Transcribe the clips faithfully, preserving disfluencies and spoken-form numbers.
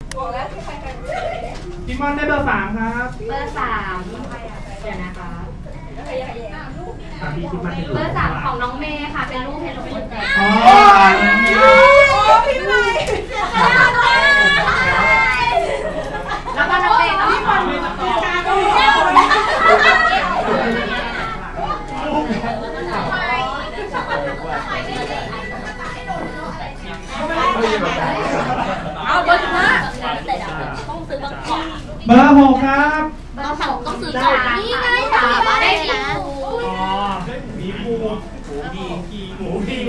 พี่มอนได้เบอร์สามครับเบอร์สามเดี๋ยวนะคะเบอร์สามของน้องเมย์ค่ะเป็นลูกเฮลโลคนแจกอ๋อพี่เมย์แล้วก็น้องเมย์พี่บอลเอาเบอร์ห้าต้องซื้อบางกล่องเบอร์หกครับต้องสั่งต้องซื้อกล่องนี่ไงสามได้ดีอ๋อหมีภูหมูพีหมูพี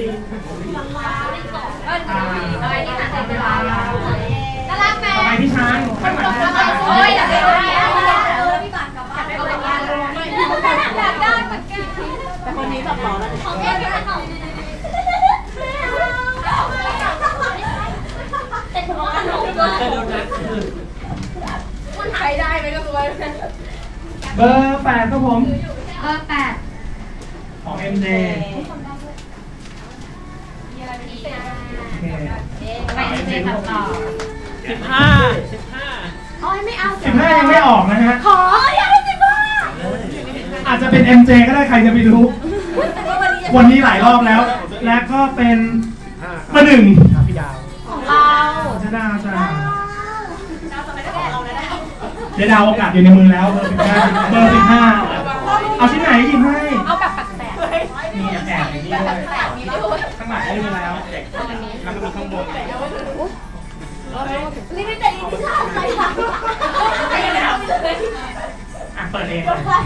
อะไรนี่ค่ะเวลาน่ารักไหมต่อไปพี่ช้างข้างหลังโอ้ยอยากได้พี่บัตรกับบ้านอยากได้อยากได้เหมือนกันแต่คนนี้แบบหล่อแล้วของเอ๊ะพี่บัตรของเป็นของขนมมันใช้ได้ไหมก็ตัวเบอร์แปดครับผมเบอร์แปดของ เอ็ม เจไป เอ็ม เจ ตัดต่อสิบห้าสิบห้าอ๋อไม่เอาสิบห้ายังไม่ออกนะฮะขออยากได้สิบห้าอาจจะเป็น เอ็ม เจ ก็ได้ใครจะไปรู้วันนี้หลายรอบแล้วและก็เป็นเบอร์หนึ่งของเราจะดาวจ้าเดี๋ยวดาวโอกาสอยู่ในมือแล้วเบอร์สิบห้าเบอร์สิบห้าเอาชิ้นไหนหยิบให้เอาแบบแปลกๆมีแอบอย่างนี้ด้วยข้างหลังได้มาแล้วแล้วก็มีข้างบนลิมิเต็ดอีดิชั่นใครทำอ่ะเปิดเอง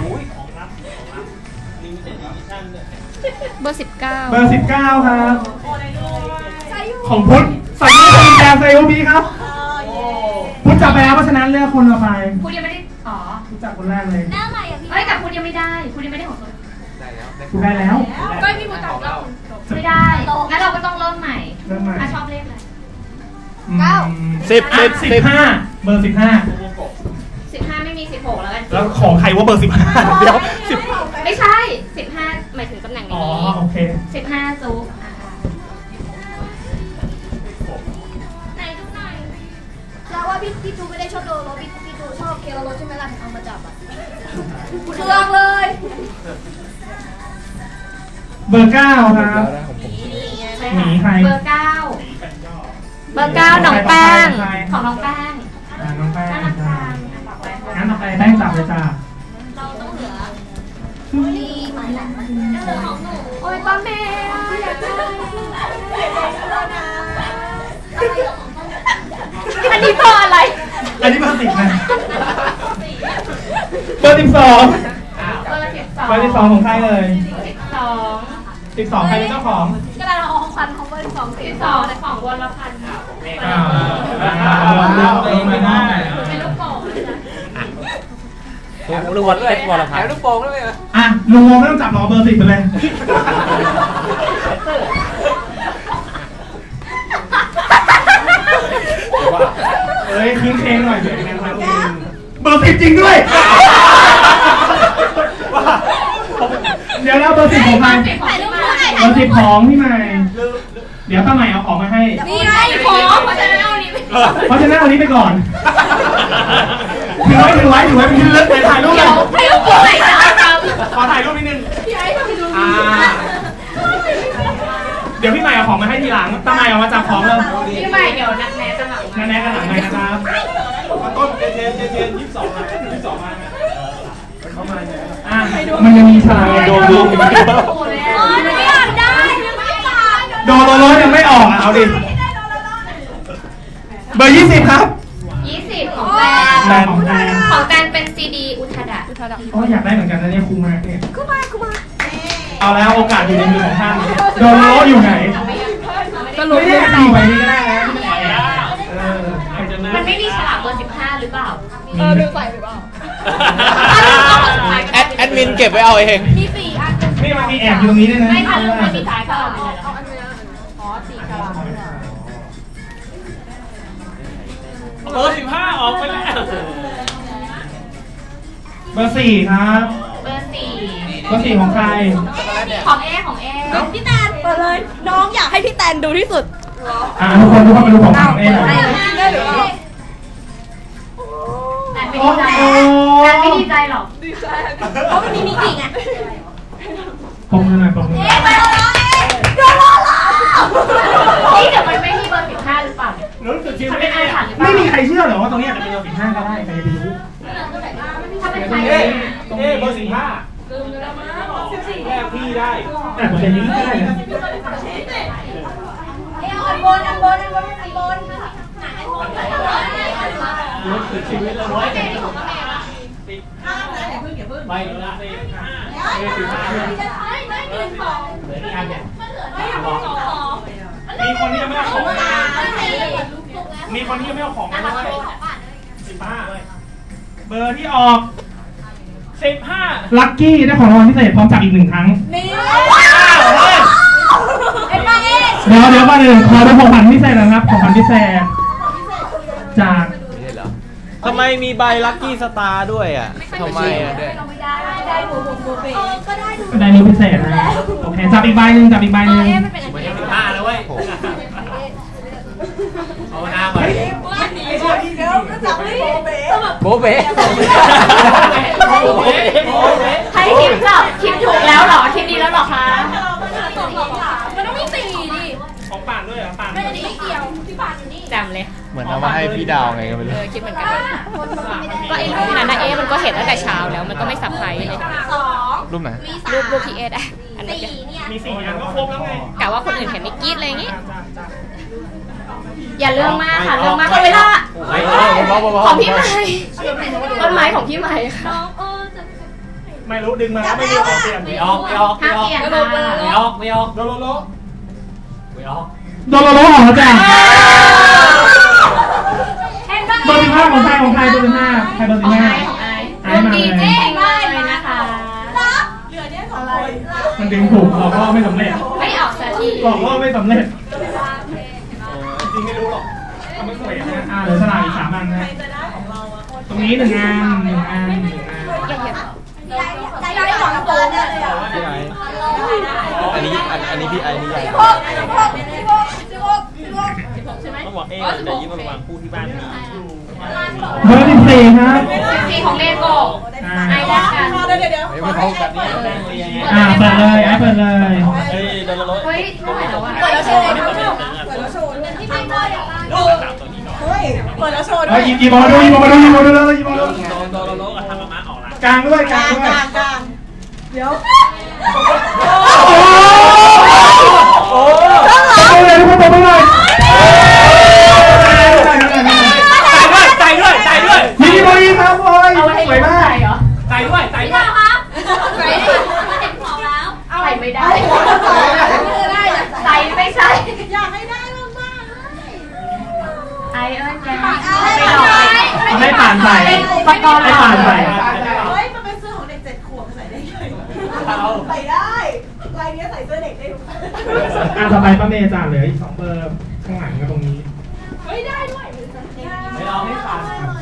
เบอร์สิบเก้าเบอร์สิบเก้าครับของพุทธใส่ยูบีแจมใส่ยูบีครับพุทธจับไปแล้วเพราะฉะนั้นเลือกคนละไปพุทธยังไม่ได้อ๋อพุทธจับคนแรกเลยได้อะไรอ่ะพี่เฮ้ยแต่พุทธยังไม่ได้พุทธยังไม่ได้ของตัวได้แล้วพุทธได้แล้วก็พี่พุทธจับแล้วไม่ได้งั้นเราก็ต้องเริ่มใหม่เริ่มใหม่อ่ะชอบเลขอะไรเก้าสิบสิบสิบห้าเบอร์สิบห้าสิบห้าไม่มีสิบหกแล้วกันแล้วของใครว่าเบอร์สิบห้าเดี๋ยวสิบไม่ใช่สิบห้าหมายถึงตำแหน่งนี้อ๋อโอเคสิบห้าซุปไหนดูหน่อยแล้วว่าพี่พี่จูไม่ได้ชอบโดโรพี่พี่จูชอบเคโรโรใช่ไหมล่ะเอามาจับอ่ะเครื่องเลยเบอร์เก้าครับหมีใครเบอร์เก้าเบอร์เก้าน้องแป้งของน้องแป้งน้องแป้งน่ารักจังงั้นต่อไปแป้งจับเลยจ้าเราต้องเหลือนี่หมายหลังมันเหลือของหนูโอ้ยป้าแม่อยากได้อันนี้เบอร์อะไรอันนี้เบอร์สิบนะเบอร์สิบสองเบอร์สิบสองเบอร์สิบสองของใครเลยสิบสองสิบสองใครเป็นเจ้าของก็ได้เราเอาของพันของเบอร์สิบสองสิบสองในของวรพันธ์ค่ะอ่าเองไม่ได้เป็นลูกโป่งลุงวันเป็นวรพันธ์ลูกโป่งด้วยเหรออ่ะลุงโมไม่ต้องจับหรอเบอร์สิบไปเลยเฮ้ยคืนเพลงหน่อยเดี๋ยวนะครับเบอร์สิบจริงด้วยเดี๋ยวแล้วเบอร์สิบของใครเบอร์สิบของพี่ใหม่เดี๋ยวป้าใหม่เอาของมาให้นี่ไงของเพราะฉะนั้นเอานี้เพราะฉะนั้นเอานี้ไปก่อนถือไว้ถือไว้ถือไว้เป็นที่เลิศไปถ่ายรูปเลยถ่ายรูปไหนจ้าขอถ่ายรูปนิดนึงพี่ไอ้ทำไปดูเดี๋ยวพี่ใหม่เอาของมาให้ทีหลังป้าใหม่เอามาจับของเลยพี่ใหม่เดี๋ยวนักแนะจะหลังนักแนะกันหลังเลยนะครับต้นเจนเจนเจนยี่สิบสองมายี่สิบสองมาเข้ามาเนี่ยอ่ะมันยังมีฉลากโดนดูอีกโอ้ยไม่อยากได้ไม่อยากโดนโดนยังไม่ออกอ่ะเอาดิเบอร์ยี่สิบครับยี่สิบของแฟนของแฟนของแฟนเป็นซีดีอุทดะอุทดะก็อยากได้เหมือนกันนะเนี่ยครูมาเนี่ยกูมากูมาเอาแล้วโอกาสอยู่ในมือของท่านโดนโลอยู่ไหนก็รู้ไม่ได้ดีไปนี่ก็ได้นะมันไม่มีฉลากเบอร์สิบห้าหรือเปล่าเออลืมใส่หรือเปล่าแอดแอดมินเก็บไว้เอาเองมีสี่อันนี่มันมีแอบอยู่ตรงนี้ด้วยนะไม่ทันไม่มีสายก็เอาอันนี้อ๋อสี่ฉลากเบอร์สิบห้าออกไปแล้วเบอร์สี่ครับเบอร์สี่เบอร์สี่ของใครของเอของเอพี่แตนเปิดเลยน้องอยากให้พี่แตนดูที่สุดอ่าทุกคนทุกคนมาดูของของเอหน่อยใจหรอดีใจเพราะมันมีมิกิไงปมมือหน่อยปมมือเอ๊ะไปแล้วเอ๊ะโดนล้อล้อนี่เดี๋ยวมันไม่มีเบอร์สิบห้าหรือเปล่ารู้สึกชีวิตไม่ไม่มีใครเชื่อหรอว่าตรงนี้จะเป็นเบอร์สิบห้าก็ได้ใครจะรู้ถ้าเป็นใครเอ๊ะเอ๊ะเบอร์สิบห้าแก้พี่ได้แต่เปอร์เซ็นต์นี้ไม่ได้นะเอ๊ะอันบนอันบนอันบนอันบนไหนอันบนรู้สึกชีวิตเราน้อยแต่ของแม่ละห้ามนะอย่าเพิ่งอย่าเพิ่งไม่ละสิบห้าเอ๊ะสิบห้าไม่ไม่หนึ่งสองเหลืออีกอันเนี่ยมันเหลือไม่สองสองมีคนที่ยังไม่เอาของมีคนที่ยังไม่เอาของมาด้วยสิบห้าเบอร์ที่ออกสิบห้าลัคกี้ได้ของรางวัลพิเศษพร้อมจับอีกหนึ่งครั้งนี่เดี๋ยวเดี๋ยวมาหนึ่งขอดูของขวัญพิเศษนะครับของขวัญพิเศษจากทำไมมีใบลัคกี้สตาร์ด้วยอ่ะทำไมอ่ะด้วยได้หมูหมูหมูเบก็ได้ดูได้ดูพิเศษนะโอเคจับอีกใบหนึ่งจับอีกใบหนึ่งไม่ใช่สิบห้าแล้วเว้ยเอาหน้ามาเดี๋ยวก็จับไม่โบเบ้ใครคิดจับคิดถูกแล้วหรอคิดดีแล้วหรอคะมันต้องมีสี่ดิของป่านด้วยเหรอป่านไม่ได้ไม่เกี่ยวพี่ป่านนี่จำเลยเหมือนเอามาให้พี่ดาวไงก็ไม่รู้คิดเหมือนกันก็ไอ้รูปนั้นนะเอ๊มันก็เห็นตั้งแต่เช้าแล้วมันก็ไม่สับไพรส์เลยสองรูปไหนรูปรูปพี่เอ๊อะอันนี้เนี่ยมีสี่อันก็ครบแล้วไงกะว่าคนอื่นเห็นไม่กรี๊ดอะไรอย่างงี้อย่าเรื่องมากค่ะเรื่องมากเวลาของพี่ใหม่ต้นไม้ของพี่ใหม่ค่ะไม่รู้ดึงมาแล้วไม่รู้ออกเปลี่ยนไม่ออกไม่ออกไม่ออกไม่ออกไม่ออกโดโลโลไม่ออกโดโลโลออกแล้วจ้ะเบอร์สิบห้าของใครของใครเบอร์สิบห้าใครเบอร์สิบห้าของไอ้ไอ้มาเลยเลยนะคะเหลือเนี่ยสองคนมันดึงถูกเราก็ไม่สำเร็จไม่ออกสักทีบอกว่าไม่สำเร็จจริงไม่รู้หรอกทำไม่สวยนะอ่าเหลือสลากอีกสามอันนะตรงนี้หนึ่งอันหนึ่งอันหนึ่งอันใจได้สองตัวเนี่ยเลยอ่ะพี่ไออันนี้อันนี้พี่ไอนี่ใหญ่สิบหกสิบหกสิบหกสิบหกสิบหกสิบหกใช่ไหมต้องบอกเอ๊ะจะยิ้มมาวางคู่ที่บ้านนี้เบอร์สิบสี่ครับสิบสี่ของเลโก้ไอ้ได้กันเดี๋ยวเดี๋ยวเดี๋ยวไม่พร้อมกันนี่อ่าเปิดเลยไอ้เปิดเลยเฮ้ยโดนละร้อยเฮ้ยเท่าไหร่แล้ววะเปิดแล้วโชว์เปิดแล้วโชว์ที่ไม่ได้ดูเฮ้ยเปิดแล้วโชว์ด้วยยิบยิบมาดูยิบมาดูยิบมาดูเลยยิบมาดูโดนละร้อยทำมาม้าออกละกลางด้วยกลางด้วยกลางกลางเดี๋ยวโอ้โหเลยทุกคนไปเลยใจด้วยใจด้วยยิบมายิบครับโอ้ยสวยมากใจด้วยใจด้วยครับใส่เห็นของแล้วใส่ไม่ได้ใส่ไม่ใช่อยากให้ได้มากๆไอเอ้ยแกไม่ให้ผ่านใส่ประกอบให้ผ่านใส่เฮ้ยมันเป็นเสื้อของเด็กเจ็ดขวบใส่ได้ไงใส่ได้ลายนี้ใส่เสื้อเด็กได้ทุกคนอ่ะต่อไปป้าเมย์จ่าเหลืออีกสองเบอร์ข้างหลังกับตรงนี้เฮ้ยได้ด้วยไม่เอาไม่ผ่าน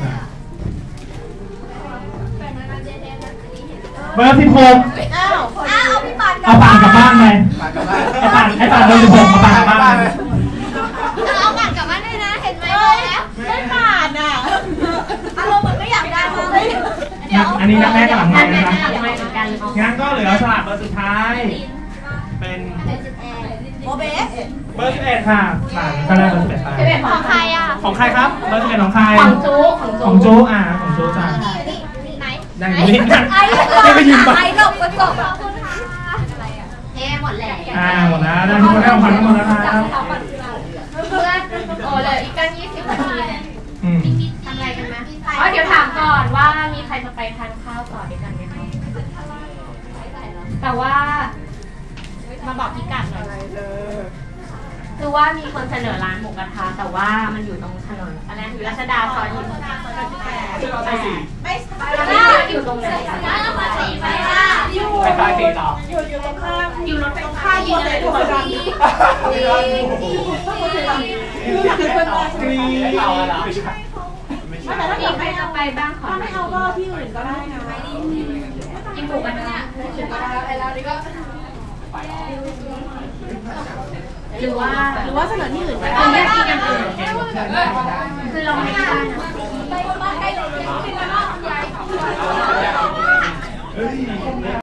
เบอร์สิบหกอ้าวอ้าวพี่ปานเอาปานกลับบ้านไปไอ้ปานไอ้ปานเบอร์สิบหกมาปานกลับบ้านเอาปานกลับบ้านด้วยนะเห็นไหมแล้วไม่ผ่านอ่ะอารมณ์เหมือนไม่อยากได้มากเลยอันนี้นักแม่กับหลังไม้นะงั้นก็เหลือสลับเบอร์สุดท้ายเป็นโบเบสเบอร์สิบเอ็ดค่ะหลังก็ได้เบอร์สิบเอ็ดไปของใครอ่ะของใครครับเบอร์สิบเอ็ดของใครของจูของจูอ่าของจูจ้าได้ยินกันไอ้ไม่ไปยินปะไอ้หลบกระจกเฮ้หมดแล้วอ่าหมดแล้วได้ทุกคนได้ของขวัญหมดแล้วครับเพื่อนโอ้เลยอีกกันยี่สิบนาทีอืมทำอะไรกันไหมอ๋อเดี๋ยวถามก่อนว่ามีใครจะไปทานข้าวต่อด้วยกันไหมคะแต่ว่ามาบอกพิกัดหน่อยคือว่ามีคนเสนอร้านหมูกระทะแต่ว่ามันอยู่ตรงถนนอะไรอยู่รัชดาซอยยี่สิบแปดไม่อยู่ตรงไหนอยู่ไปซอยสี่ต่ออยู่อยู่ตรงข้ามอยู่รถไฟฟ้าอยู่เลยทุกคนที่อยากให้เพื่อนมาไม่เอาแล้วไม่แต่ถ้ามีใครจะไปบ้างขอไม่เอาก็ที่อื่นก็ได้นะกินหมูกระทะหรือว่าหรือว่าเสนอที่อื่นก็ได้ไม่กินอย่างอื่นคือเราไม่ได้นะฮ้ย